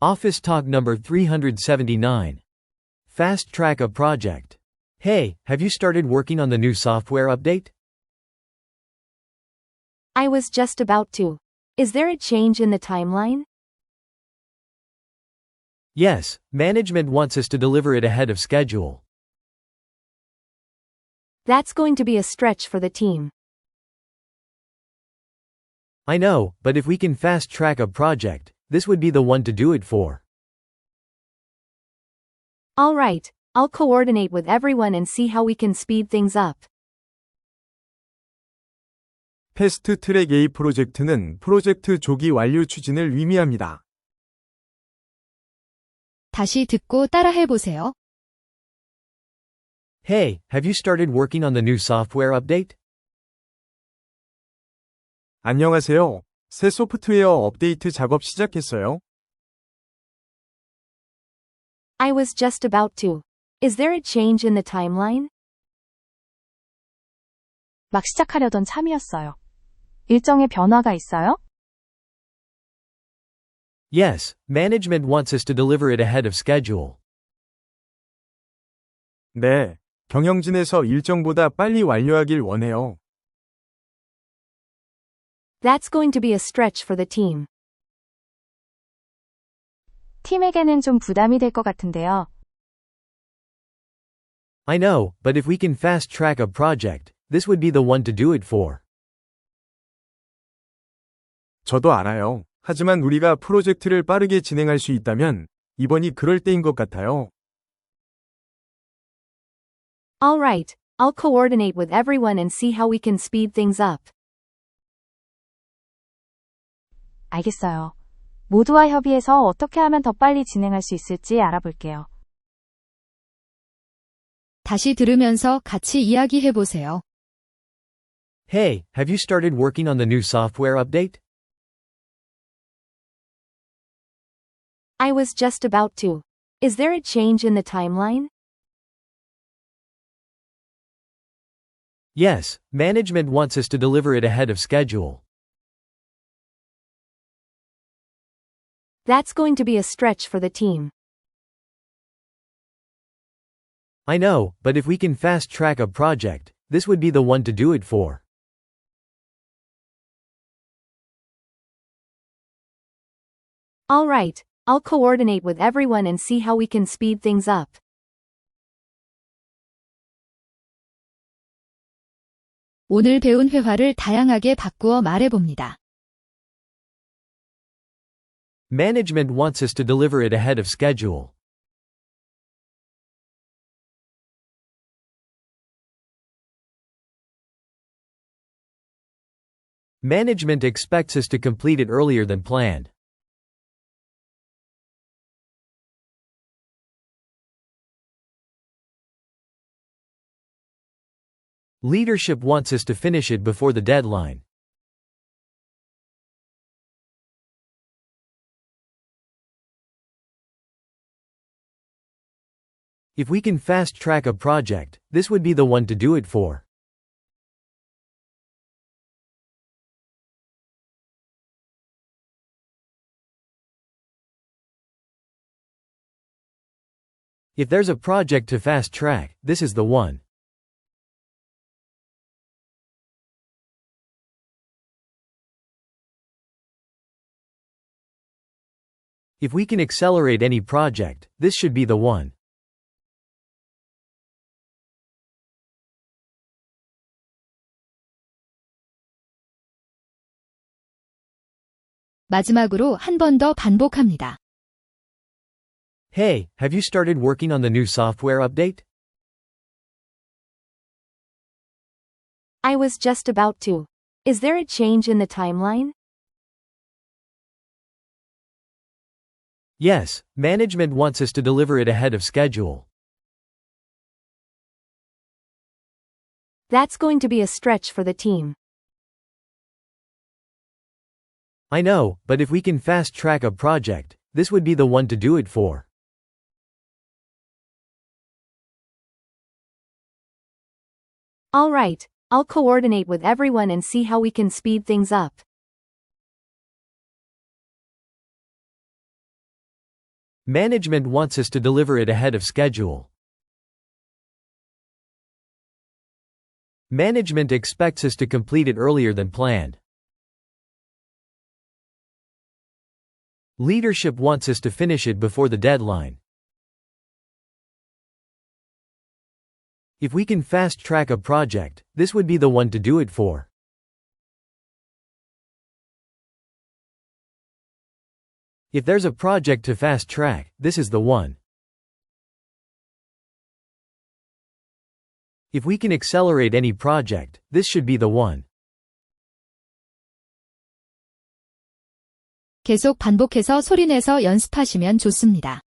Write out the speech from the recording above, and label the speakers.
Speaker 1: Office Talk number 379. Fast track a project. Hey, have you started working on the new software update?
Speaker 2: I was just about to. Is there a change in the timeline?
Speaker 1: Yes, management wants us to deliver it ahead of schedule.
Speaker 2: That's going to be a stretch for the team.
Speaker 1: I know, but if we can fast track a project, this would be the one to do it for.
Speaker 2: All right, I'll coordinate with everyone and see how we can speed things up.
Speaker 3: 패스트 트랙 A 프로젝트는 프로젝트 조기 완료 추진을 의미합니다.
Speaker 4: 다시 듣고 따라해보세요.
Speaker 1: Hey, have you started working on the new software update?
Speaker 3: 안녕하세요. 새 소프트웨어 업데이트 작업 시작했어요?
Speaker 2: I was just about to. Is there a change in the timeline?
Speaker 5: 막 시작하려던 참이었어요. 일정에 변화가 있어요?
Speaker 1: Yes, management wants us to deliver it ahead of schedule.
Speaker 3: 네, 경영진에서 일정보다 빨리 완료하길 원해요.
Speaker 2: That's going to be a stretch for the team.
Speaker 5: 팀에게는 좀 부담이 될 것 같은데요.
Speaker 1: I know, but if we can fast track a project, this would be the one to do it for.
Speaker 3: 저도 알아요. 하지만 우리가 프로젝트를 빠르게 진행할 수 있다면 이번이 그럴 때인 것 같아요.
Speaker 2: All right, I'll coordinate with everyone and see how we can speed things up.
Speaker 5: 알겠어요. 모두와 협의해서 어떻게 하면 더 빨리 진행할 수 있을지 알아볼게요.
Speaker 4: 다시 들으면서 같이 이야기해보세요.
Speaker 1: Hey, have you started working on the new software update?
Speaker 2: I was just about to. Is there a change in the timeline?
Speaker 1: Yes, management wants us to deliver it ahead of schedule.
Speaker 2: That's going to be a stretch for the team.
Speaker 1: I know, but if we can fast track a project, this would be the one to do it for.
Speaker 2: All right, I'll coordinate with everyone and see how we can speed things up.
Speaker 4: 오늘 배운 회화를 다양하게 바꾸어 말해봅니다.
Speaker 1: Management wants us to deliver it ahead of schedule. Management expects us to complete it earlier than planned. Leadership wants us to finish it before the deadline. If we can fast track a project, this would be the one to do it for. If there's a project to fast track, this is the one. If we can accelerate any project, this should be the one.
Speaker 4: 마지막으로 한 번 더 반복합니다.
Speaker 1: Hey, have you started working on the new software update?
Speaker 2: I was just about to. Is there a change in the timeline?
Speaker 1: Yes, management wants us to deliver it ahead of schedule.
Speaker 2: That's going to be a stretch for the team.
Speaker 1: I know, but if we can fast track a project, this would be the one to do it for.
Speaker 2: All right, I'll coordinate with everyone and see how we can speed things up.
Speaker 1: Management wants us to deliver it ahead of schedule. Management expects us to complete it earlier than planned. Leadership wants us to finish it before the deadline. If we can fast-track a project, this would be the one to do it for. If there's a project to fast-track, this is the one. If we can accelerate any project, this should be the one.
Speaker 4: 계속 반복해서 소리내서 연습하시면 좋습니다.